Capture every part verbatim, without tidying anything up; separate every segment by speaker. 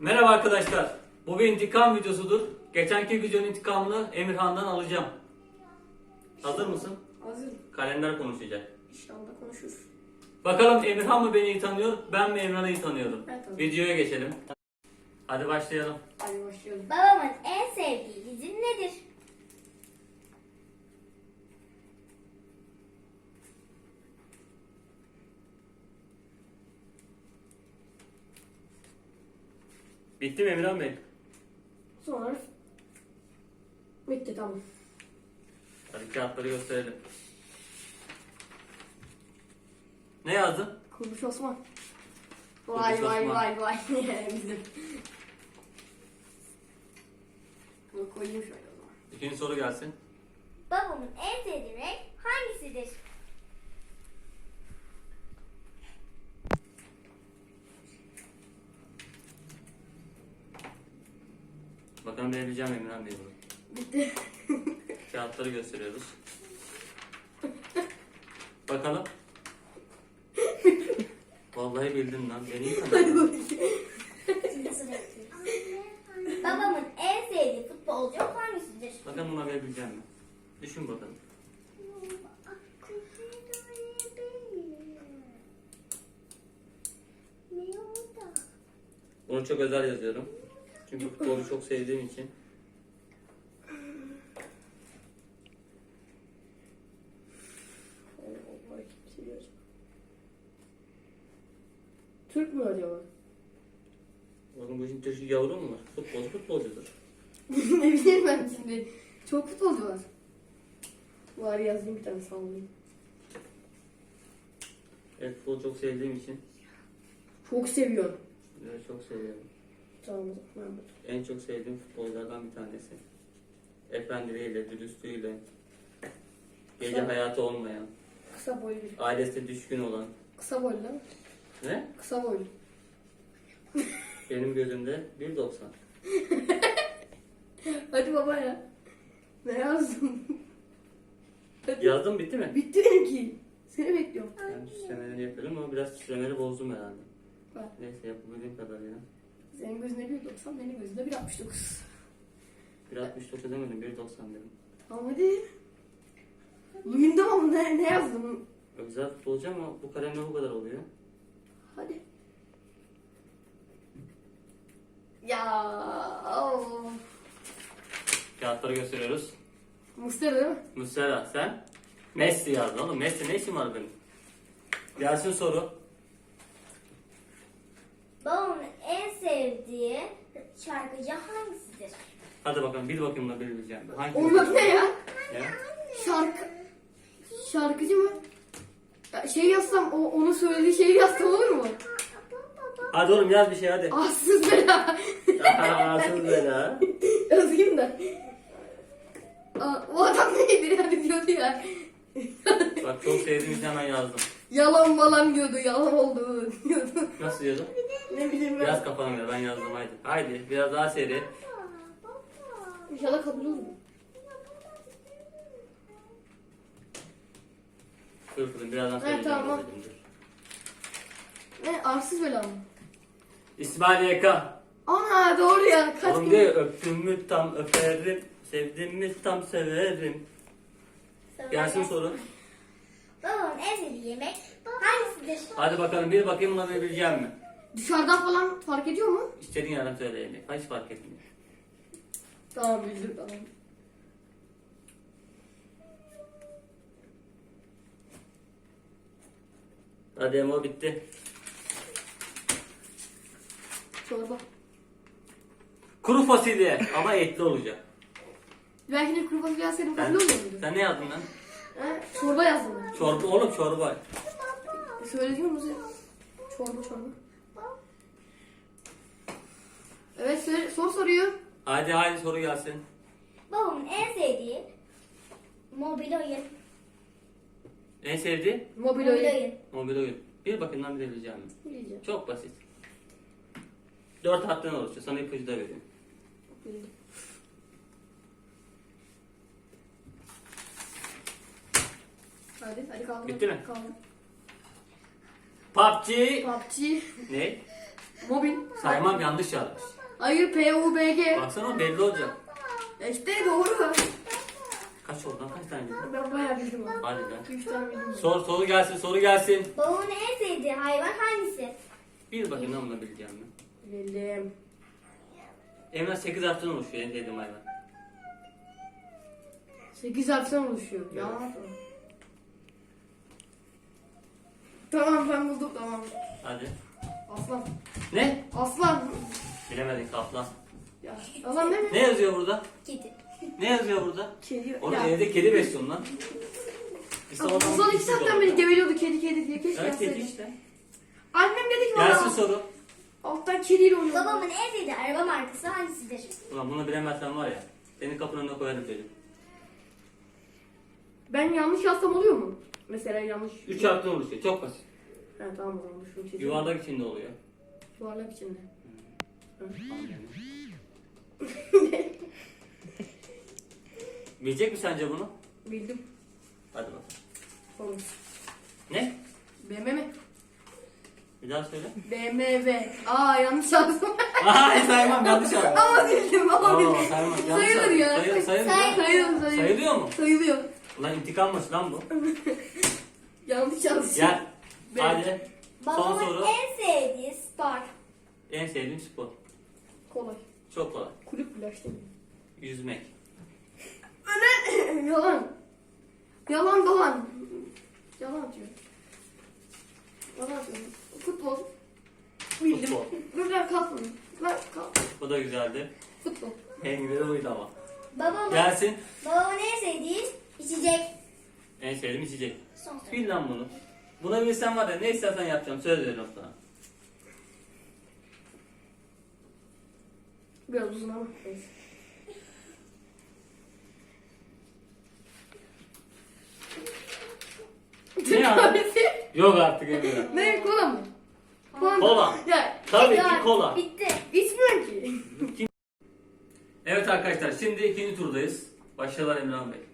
Speaker 1: Merhaba arkadaşlar. Bu bir intikam videosudur. Geçenki videonun intikamını Emirhan'dan alacağım. Hazır mısın?
Speaker 2: Hazırım.
Speaker 1: Kalender konuşacak.
Speaker 2: İnşallah konuşuruz.
Speaker 1: Bakalım Emirhan mı beni iyi tanıyor, ben mi Emirhan'ı iyi tanıyorum?
Speaker 2: Evet, tabii.
Speaker 1: Videoya geçelim. Hadi başlayalım.
Speaker 2: Hadi başlayalım.
Speaker 3: Babamın en sevdiği dizi nedir?
Speaker 1: Bitti mi Emirhan Bey?
Speaker 2: Sonra bitti, tamam.
Speaker 1: Hadi kağıtları gösterelim. Ne yazdın?
Speaker 2: Kuruluş Osman.
Speaker 1: Kuruluş
Speaker 2: Vay vay
Speaker 1: Osman.
Speaker 2: vay vay. Bizim. Bunu koyayım şöyle o zaman.
Speaker 1: İkinci soru gelsin.
Speaker 3: Babamın en sevdiği renk hangisidir?
Speaker 1: Bakalım verebileceğim Emirhan Bey bunu.
Speaker 2: Bitti.
Speaker 1: Kağıtları gösteriyoruz. Bakalım. Vallahi bildin lan. Beni iyi tanıdın.
Speaker 3: Babamın en sevdiği futbolcu hangisidir?
Speaker 1: Bakalım buna verebileceğim mi? Düşün bakalım. Bunu çok özel yazıyorum. Çünkü futbolu çok sevdiğim için.
Speaker 2: Türk mü acaba?
Speaker 1: Bakın bu işin Türk yavru mu var? Futbolcu futbolcudur.
Speaker 2: Ne bileyim ben şimdi. Çok futbolcu var. Var, yazayım bir tane, sallayayım.
Speaker 1: Evet, futbolu çok sevdiğim için.
Speaker 2: Çok seviyorum.
Speaker 1: Evet, çok seviyorum.
Speaker 2: Tamam o zaman. Ben
Speaker 1: En çok sevdiğim futbolculardan bir tanesi. Efendiliğiyle, dürüstlüğüyle, gece
Speaker 2: Sen-
Speaker 1: hayatı olmayan,
Speaker 2: Kısa boylu bir.
Speaker 1: ailesine düşkün olan.
Speaker 2: Kısa boylu değil mi?
Speaker 1: Ne?
Speaker 2: Kısa boylu.
Speaker 1: Benim gözümde bir doksan.
Speaker 2: Hadi baba ya. Ne yazdım? Hadi.
Speaker 1: Yazdım, bitti mi?
Speaker 2: Bitti benimki. Seni bekliyorum.
Speaker 1: Ben süslemeleri yapıyorum ama biraz süslemeleri bozdum herhalde.
Speaker 2: Bak.
Speaker 1: Neyse, yapabildiğim kadarıyla.
Speaker 2: Senin gözünde bir doksan, benim gözümde bir altmış dokuz.
Speaker 1: bir altmış dokuz demedim, bir doksan dedim.
Speaker 2: Tamam hadi. Bugün de ama ne, ne yazdım?
Speaker 1: Güzel futbolcu ama bu kalemle bu kadar oluyor.
Speaker 2: Hadi. Ya. Oh.
Speaker 1: Kağıtları gösteriyoruz.
Speaker 2: Muslera değil mi?
Speaker 1: Muslera, sen? Messi yazdın oğlum. Messi ne işin var benim? Gelsin soru.
Speaker 3: Babamın en sevdiği şarkıcı hangisidir?
Speaker 1: Hadi bakalım, bir bakayım da bilebileceğim. Hangi
Speaker 2: Onun ne ya?
Speaker 1: Ne?
Speaker 2: Şarkı. Şarkıcı mı? Ya şey yazsam, o onun söylediği şeyi yazsam olur mu?
Speaker 1: Hadi oğlum, yaz bir şey hadi.
Speaker 2: Arsız bela.
Speaker 1: Ağzını bela.
Speaker 2: Yazayım da. Aa, o adam neydi yani diyordu ya.
Speaker 1: Bak, çok sevdiğim için hemen yazdım.
Speaker 2: Yalan malan diyordu, yalan oldu diyordu.
Speaker 1: Nasıl yazdım?
Speaker 2: Ne bileyim ben.
Speaker 1: Biraz kafana göre ben yazdım, haydi. Haydi biraz daha seri.
Speaker 2: İnşallah kabul olur.
Speaker 1: Dur kızım, birazdan
Speaker 2: Evet,
Speaker 1: söyleyeceğim.
Speaker 2: tamam.
Speaker 1: dedim, dur.
Speaker 2: Ne, arsız bela mı?
Speaker 1: İsmail Yeka.
Speaker 2: Ana doğru ya. Kaç
Speaker 1: Oğlum
Speaker 2: gün?
Speaker 1: diyor, öptüm mü tam öperim. Sevdim mi tam severim. Gelsin soru.
Speaker 3: Babamın en sevdiği yemek hangisidir?
Speaker 1: Hadi bakalım, bir bakayım buna verebileceğim mi?
Speaker 2: Dışarıdan falan fark ediyor mu?
Speaker 1: İstediğin yerden söyleyeyim. Hiç fark etmiyor.
Speaker 2: Tamam, bildim, tamam.
Speaker 1: Hadi Emo, bitti.
Speaker 2: Çorba.
Speaker 1: Kuru fasulye ama etli olacak.
Speaker 2: Belki de kuru fasulye yazsaydım
Speaker 1: Sen,
Speaker 2: kabul olur muydu?
Speaker 1: sen ne yazdın lan?
Speaker 2: He, çorba yazdım ben.
Speaker 1: Çorba oğlum, çorba.
Speaker 2: Söylediğim musun? Çorba çorba. Evet, söyle, sor soruyu.
Speaker 1: Hadi hadi soru gelsin.
Speaker 3: Babamın en sevdiği mobil oyun.
Speaker 1: En sevdiğin?
Speaker 2: Mobil
Speaker 3: Mobil
Speaker 2: oyun.
Speaker 3: oyun.
Speaker 1: Mobil oyun. Bir bakayım lan, bilebileceğim mi?
Speaker 2: Bileceğim.
Speaker 1: Çok basit. Dört harften oluşuyor. Sana ipucu da vereyim.
Speaker 2: Bildim. Hadi, hadi kaldır.
Speaker 1: Bitti mi?
Speaker 2: Kaldır.
Speaker 1: P U B G.
Speaker 2: P U B G.
Speaker 1: Ne?
Speaker 2: Mobil.
Speaker 1: Saymam, yanlış yazmış.
Speaker 2: Hayır, P U B G.
Speaker 1: Baksana belli olacak.
Speaker 2: Ya İşte doğru.
Speaker 1: Kaç oldu lan, kaç tane bildin?
Speaker 2: Ben bayağı bildim abi.
Speaker 1: Hadi lan.
Speaker 2: iki üç tane bildim.
Speaker 1: Sor, soru gelsin, soru gelsin.
Speaker 3: Babamın en sevdiği hayvan hangisi?
Speaker 1: Bir bakayım lan buna bileceğim mi?
Speaker 2: Bildim.
Speaker 1: Emrah sekiz harften oluşuyor en sevdiğim hayvan.
Speaker 2: sekiz harften oluşuyor. Ya. Tamam ben buldum tamam.
Speaker 1: Hadi.
Speaker 2: Aslan.
Speaker 1: Ne?
Speaker 2: Aslan.
Speaker 1: Bilemedin, kaplan.
Speaker 2: Ya. Aslan değil mi?
Speaker 1: Ne yazıyor burada?
Speaker 3: Kedi.
Speaker 1: Ne yazıyor burada?
Speaker 2: Kedi.
Speaker 1: Oğlum
Speaker 2: Ya.
Speaker 1: evde kedi besliyorsun lan. İşte
Speaker 2: Son
Speaker 1: oradan
Speaker 2: iki
Speaker 1: bir
Speaker 2: saatten
Speaker 1: şey
Speaker 2: beri
Speaker 1: oldu.
Speaker 2: geveliyordu kedi kedi diye. Keşke
Speaker 1: Evet, kedi
Speaker 2: yazsaydım.
Speaker 1: işte.
Speaker 2: Annem dedi ki
Speaker 1: Gelsin
Speaker 2: bana.
Speaker 1: soru.
Speaker 2: Alttan kediyle oynuyor.
Speaker 3: Babamın en sevdiği araba markası hangisidir?
Speaker 1: Ulan bunu bilemezsen var ya. Senin kapının önüne koyarım çocuğum.
Speaker 2: Ben yanlış yazsam oluyor mu? Mesela yanlış.
Speaker 1: Üç harften oluşuyor. Çok basit.
Speaker 2: Ha tamam o zaman şunu çizeyim.
Speaker 1: Yuvarlak içinde oluyor.
Speaker 2: Yuvarlak içinde. Hı.
Speaker 1: Bilecek mi sence bunu?
Speaker 2: Bildim.
Speaker 1: Hadi bakalım.
Speaker 2: Olur.
Speaker 1: Ne?
Speaker 2: B M W.
Speaker 1: Bir daha söyle.
Speaker 2: B M W. Aa yanlış yazdım.
Speaker 1: Ay saymam, yanlış aldım.
Speaker 2: ama bildim ama
Speaker 1: Aa,
Speaker 2: bildim.
Speaker 1: saymam, yanlış
Speaker 2: Sayılır
Speaker 1: aldım.
Speaker 2: ya.
Speaker 1: Sayılır, sayılır.
Speaker 3: Say-
Speaker 2: Sayılır sayılır.
Speaker 1: Sayılıyor mu?
Speaker 2: Sayılıyor.
Speaker 1: Ulan intikammış lan bu.
Speaker 2: Yanlış yazdım.
Speaker 1: Gel.
Speaker 2: Ben-
Speaker 1: Hadi. Son
Speaker 3: Babamın
Speaker 1: soru.
Speaker 3: en sevdiği spor.
Speaker 1: En sevdiğim spor.
Speaker 2: Kolay.
Speaker 1: Çok kolay.
Speaker 2: Kulüp flash değil mi?
Speaker 1: Yüzmek.
Speaker 2: Yalan. Yalan dolan. Yalan diyor. Yalan diyor. Futbol. Bildim.
Speaker 1: Futbol.
Speaker 2: Dur lan kalkmayın. Lan kalk.
Speaker 1: Bu da güzeldi.
Speaker 2: Futbol.
Speaker 1: En güzeli buydu ama.
Speaker 3: Babamın,
Speaker 1: Gelsin.
Speaker 3: babamın en sevdiği içecek.
Speaker 1: En sevdiğim içecek.
Speaker 3: Son soru.
Speaker 1: Bil lan bunu. Buna bilsen var ya, ne istersen yapacağım. Söz veriyorum sana.
Speaker 2: Biraz uzun ama. Neyse.
Speaker 1: Ne ya? Yok artık Emre.
Speaker 2: Ne kola mı? Kola. mı?
Speaker 1: Kola.
Speaker 2: Ya
Speaker 1: Tabii ki
Speaker 3: Ya,
Speaker 1: kola.
Speaker 3: Bitti.
Speaker 2: içmiyorum ki.
Speaker 1: Evet arkadaşlar, şimdi ikinci turdayız. Başarılar Emrah Bey.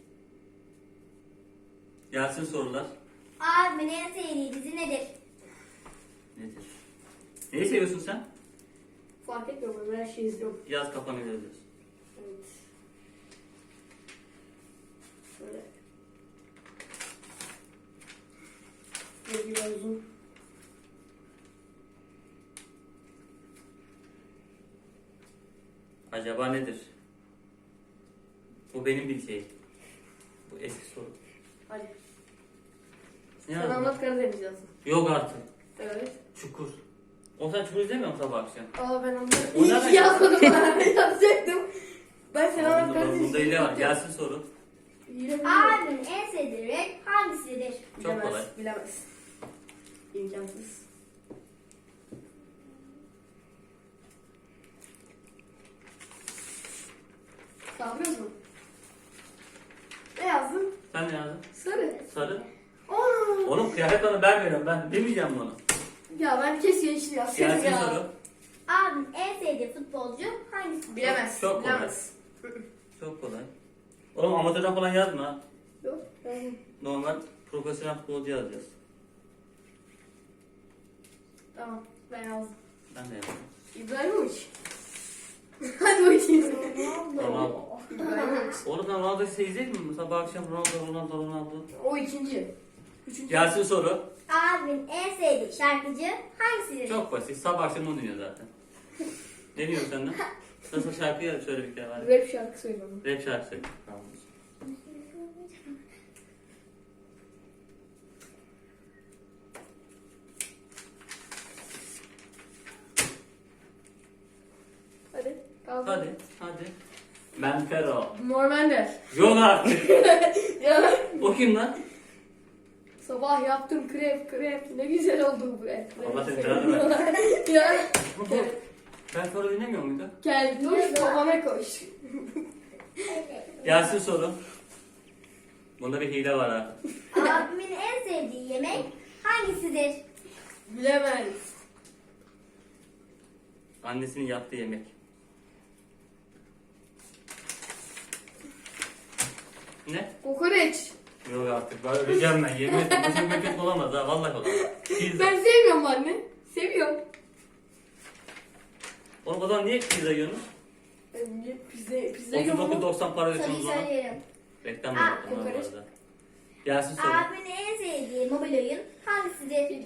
Speaker 1: Gelsin sorular.
Speaker 3: Abimin en sevdiği dizi nedir?
Speaker 1: Nedir? Neyi seviyorsun sen?
Speaker 2: Fark etmiyor ben her şeyi izliyorum.
Speaker 1: Yaz kafanı yazıyorsun.
Speaker 2: Evet. Şöyle. Böyle biraz uzun.
Speaker 1: Acaba nedir? Bu benim bileceğim. Bu eski soru.
Speaker 2: Hadi.
Speaker 1: Ne
Speaker 2: Sen
Speaker 1: yazdın?
Speaker 2: anlat Karadeniz yazsın.
Speaker 1: Yok artık.
Speaker 2: Evet.
Speaker 1: Çukur. O sen çukur izlemiyor musun sabah akşam?
Speaker 2: Aa ben onları
Speaker 1: O
Speaker 2: iyi
Speaker 1: nereden
Speaker 2: ki yazmadım ben yazacaktım. Ben sen anlat
Speaker 1: Bunda,
Speaker 2: Karadeniz.
Speaker 1: bunda hile var. Gelsin soru.
Speaker 2: Hile mi?
Speaker 3: Abimin en sevdiği renk hangisidir?
Speaker 1: Çok
Speaker 2: Bilemez,
Speaker 1: kolay.
Speaker 2: Bilemez. İmkansız. Sağlıyoruz mu? Ne yazdın?
Speaker 1: Sen ne yazdın?
Speaker 2: Sarı.
Speaker 1: Sarı.
Speaker 2: Aa!
Speaker 1: Oğlum kıyafet bana ben veriyorum. Ben bilmeyeceğim bunu.
Speaker 2: Ya ben keşke yeşil yazsaydım
Speaker 1: Gelsin
Speaker 2: ya.
Speaker 1: soru.
Speaker 3: Abimin en sevdiği futbolcu hangisidir?
Speaker 2: Bilemez.
Speaker 1: Çok kolay.
Speaker 2: bilemez.
Speaker 1: Çok kolay. Oğlum amatörden falan yazma ha.
Speaker 2: Yok. yazdım.
Speaker 1: Normal profesyonel futbolcu yazacağız.
Speaker 2: Tamam. Ben yazdım.
Speaker 1: Ben de yazdım.
Speaker 2: İbrahimovic. Hadi bakayım.
Speaker 1: Ronaldo.
Speaker 2: İbrahimovic.
Speaker 1: Oğlum sen Ronaldo'yu seyredecek misin? Sabah akşam Ronaldo, Ronaldo, Ronaldo.
Speaker 2: O ikinci. Üçüncü.
Speaker 1: Gelsin soru.
Speaker 3: Abimin en sevdiği şarkıcı hangisidir?
Speaker 1: Çok basit. Sabah akşam onu dinliyor zaten. Ne diyorsun sen de? Nasıl şarkıyı söyle bir kere var.
Speaker 2: Rap şarkı söylüyorum.
Speaker 1: Rap şarkı söyle. Tamam.
Speaker 2: Hadi. Kaldı.
Speaker 1: Hadi, hadi. Ben Fero.
Speaker 2: Normander.
Speaker 1: Yok artık.
Speaker 2: Ya.
Speaker 1: O kim lan?
Speaker 2: Sabah yaptım krep krep. Ne güzel oldu bu et.
Speaker 1: Allah seni belanı versin.
Speaker 2: Ya.
Speaker 1: Ben Fero dinlemiyor muydu?
Speaker 2: Gel dur babana koş.
Speaker 1: Gelsin soru. Bunda bir hile var ha.
Speaker 3: Abimin en sevdiği yemek hangisidir?
Speaker 2: Bilemez.
Speaker 1: Annesinin yaptığı yemek. Ne?
Speaker 2: Kokoreç.
Speaker 1: Yok artık. Ben öleceğim ben. Yemin ederim. Bu yemek olamaz ha. Vallahi olamaz. Pizza.
Speaker 2: Ben sevmiyorum anne. Seviyorum.
Speaker 1: Oğlum o zaman niye pizza yiyorsunuz?
Speaker 2: Niye pizza, pizza
Speaker 1: otuz dokuz
Speaker 2: yiyorum.
Speaker 1: doksan para
Speaker 3: Soruyu
Speaker 1: ödüyorsunuz bana.
Speaker 3: söyleyelim.
Speaker 1: Reklam
Speaker 3: Aa,
Speaker 1: yaptım ben bu
Speaker 2: kokoreç.
Speaker 1: arada. Gelsin soru.
Speaker 3: Abimin en sevdiği mobil oyun hangisidir?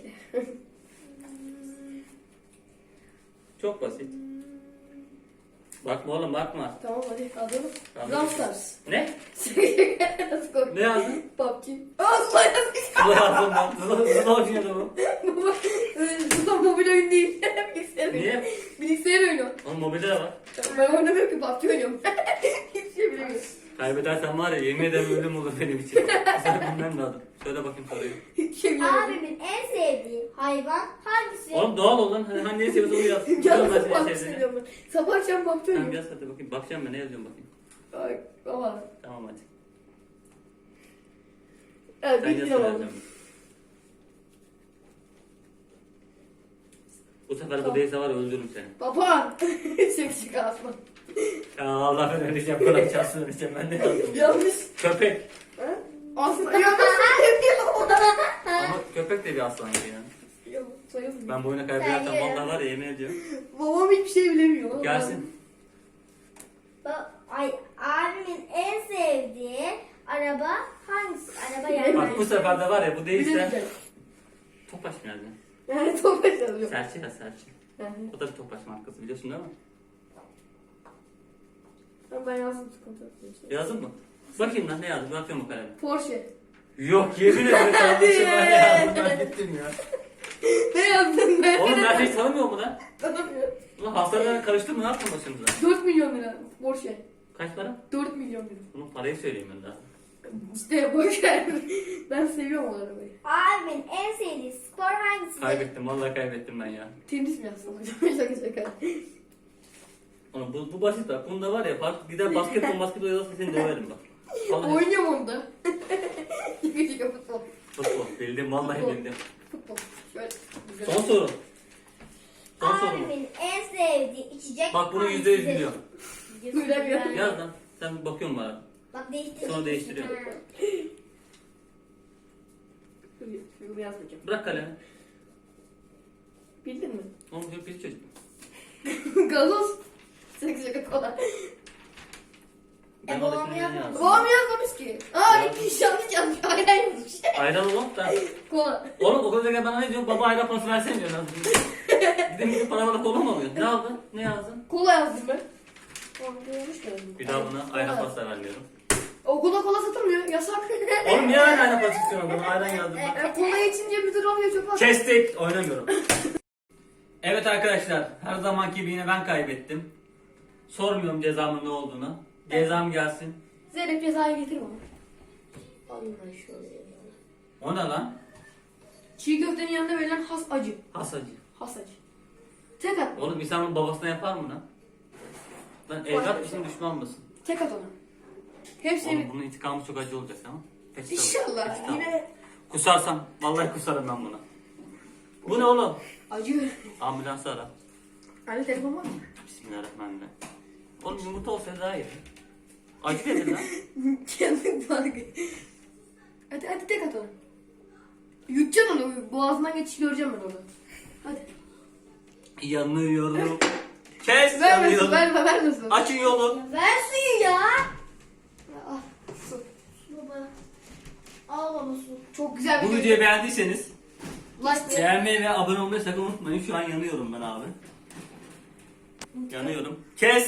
Speaker 1: Çok basit. Bakma oğlum bakma.
Speaker 2: Tamam hadi hazırım.
Speaker 1: Tamam.
Speaker 2: Brawl Stars.
Speaker 1: Ne?
Speaker 2: Nasıl korktun?
Speaker 1: Ne yazdın?
Speaker 2: P U B G. Aa Zula yazmış.
Speaker 1: Zula yazdım ben. Zula, Zula oynuyordu bu.
Speaker 2: Baba, e, Zula mobil oyun değil. Bilgisayar oyunu.
Speaker 1: Niye?
Speaker 2: Bilgisayar oyunu.
Speaker 1: Onun mobilde de var.
Speaker 2: Ben oynamıyorum ki P U B G oynuyorum. Hiçbir şey bilemiyorum.
Speaker 1: Kaybedersen var ya yemin ederim ölüm olur benim için. Sen bilmem lazım. Söyle bakayım soruyu.
Speaker 2: Hiçbir şey bilemiyorum.
Speaker 3: Abimin en sevdiği hayvan hangisi?
Speaker 1: Oğlum doğal ol lan. Hani, hani ne seviyorsun onu yaz.
Speaker 2: Ya
Speaker 1: Biliyorum ben
Speaker 2: nasıl P U
Speaker 1: senin
Speaker 2: B G
Speaker 1: sevdiğini.
Speaker 2: seviyorum ben. Sabah akşam P U B G
Speaker 1: Tamam
Speaker 2: oynuyorum.
Speaker 1: yaz hadi bakayım. Bakacağım ben ne yazıyorum bakayım.
Speaker 2: Ay baba.
Speaker 1: Tamam hadi.
Speaker 2: Evet
Speaker 1: Sen yaz
Speaker 2: bilmiyorum
Speaker 1: sen
Speaker 2: ama.
Speaker 1: yazacaksın. Bu sefer bu
Speaker 2: Tamam.
Speaker 1: değilse var ya öldürürüm seni.
Speaker 2: Baba. Seksi kasma.
Speaker 1: Ya Allah ben öleceğim. Kulak çalsın öleceğim. Ben ne yazdım?
Speaker 2: Yanlış.
Speaker 1: Köpek.
Speaker 2: Ha? Aslan yanlış.
Speaker 1: Ama köpek de bir aslan gibi yani.
Speaker 2: Ya, sayılmıyor.
Speaker 1: Ben bu oyunu kaybedersem
Speaker 3: Sen ye.
Speaker 1: vallahi var ya yemin ediyorum.
Speaker 2: Babam hiçbir şey bilemiyor.
Speaker 1: Gelsin.
Speaker 3: Ba- Ay, abimin en sevdiği araba hangisi? Araba yani.
Speaker 1: Bak bu sefer de var ya bu değilse
Speaker 2: Bilemeyeceğim.
Speaker 1: Topaş nerede?
Speaker 2: Yani Topaş yazıyor.
Speaker 1: Serçe ya Serçe.
Speaker 2: Yani.
Speaker 1: O da bir Topaş markası biliyorsun değil mi?
Speaker 2: Ben yazdım sıkıntı yok.
Speaker 1: Yazdın mı? Bakayım lan ne yazdın? Bakıyorum o kalemi.
Speaker 2: Porsche.
Speaker 1: Yok yemin ederim kardeşim ben ne yazdım ben bittim ya.
Speaker 2: Ne yazdın be?
Speaker 1: Oğlum ben hiç tanımıyor mu lan?
Speaker 2: Tanımıyorum.
Speaker 1: Ulan hastalarına karıştın ne yaptın başımıza?
Speaker 2: dört milyon lira Porsche.
Speaker 1: Kaç para?
Speaker 2: dört milyon lira.
Speaker 1: Bunun parayı söyleyeyim ben daha.
Speaker 2: İşte boş ver. Ben seviyorum o arabayı.
Speaker 3: Abimin en sevdiği spor hangisidir?
Speaker 1: Kaybettim vallahi kaybettim ben ya.
Speaker 2: Tenis mi yazsam hocam? Şaka şaka.
Speaker 1: Oğlum bu, bu basit bak. Bunda var ya bak gider basketbol basketbol yazarsa seni döverim bak. Vallahi
Speaker 2: Oynuyorum onu da. Şaka şaka futbol.
Speaker 1: futbol bildim vallahi
Speaker 2: Futbol.
Speaker 1: bildim.
Speaker 2: Futbol. Şöyle. Güzel.
Speaker 1: Son soru. Son soru.
Speaker 3: Abimin en sevdiği içecek
Speaker 1: Bak bunu yüzde yüz biliyor.
Speaker 2: Bilemiyorum.
Speaker 1: Yaz lan. Sen bir bakıyorsun bana.
Speaker 3: Bak değiştir.
Speaker 1: Sonra değiştiriyorum.
Speaker 2: Bunu yazmayacağım.
Speaker 1: Bırak kalemi.
Speaker 2: Bildin mi?
Speaker 1: Oğlum bir pis çocuk.
Speaker 2: Gazoz. Şaka şaka kola.
Speaker 1: Ben
Speaker 3: E, babam
Speaker 1: oradakini
Speaker 3: yazmadı.
Speaker 1: yazdım.
Speaker 2: Babam yazmamış ki. Aa
Speaker 1: Ya.
Speaker 2: bir yanlış yazmış. Aynen yazmış.
Speaker 1: Ayran oğlum da.
Speaker 2: Kola.
Speaker 1: Oğlum okulda gel bana ne diyor? Baba ayran parası versene diyor. Gidin gidip bana bana kola mı alıyor? Ne aldın? Ne yazdın?
Speaker 2: Kola yazdım ben. Tamam yanlış yazdım.
Speaker 1: Bir daha buna ayran parası da vermiyorum.
Speaker 2: Okulda kola satılmıyor. Yasak.
Speaker 1: Oğlum niye ayran ayran parası istiyorsun bana? Ayran yazdım ben.
Speaker 2: E, kola içince bir lira oluyor çok az.
Speaker 1: Kestik. Oynamıyorum. Evet arkadaşlar. Her zamanki gibi yine ben kaybettim. Sormuyorum cezamın ne olduğunu. Cezam gelsin.
Speaker 2: Zeynep cezayı getir bana. Alayım ben şöyle.
Speaker 1: O ne lan?
Speaker 2: Çiğ köftenin yanında verilen has acı.
Speaker 1: Hasacı.
Speaker 2: Has acı. Tek at.
Speaker 1: Oğlum insanın babasına yapar mı lan? Lan evlat mısın düşman mısın?
Speaker 2: Tek at ona. Hepsini.
Speaker 1: Oğlum bunun intikamı çok acı olacak tamam? Peçete al.
Speaker 2: İnşallah.
Speaker 1: Peçete al.
Speaker 2: Yine
Speaker 1: Kusarsam vallahi kusarım ben bunu. Bu ne oğlum?
Speaker 2: acı.
Speaker 1: Ambulansı ara.
Speaker 2: Anne telefon var mı?
Speaker 1: Bismillahirrahmanirrahim. Oğlum yumurta olsaydı daha iyi. Acı dedin lan.
Speaker 2: Kendin farkı. Hadi hadi tek at ona. Yutacaksın onu. Boğazından geçiş göreceğim ben onu. Hadi.
Speaker 1: Yanıyorum. Kes
Speaker 2: Vermesin,
Speaker 1: yanıyorum.
Speaker 2: verme, vermesin.
Speaker 1: Açın yolu.
Speaker 3: Ver suyu ya.
Speaker 2: Al, su.
Speaker 3: Baba. Al baba su.
Speaker 2: Çok güzel bir
Speaker 1: Bu
Speaker 2: video.
Speaker 1: videoyu beğendiyseniz
Speaker 2: Like
Speaker 1: beğenmeyi ve abone olmayı sakın unutmayın. Şu an yanıyorum ben abi. Yanıyorum. Kes.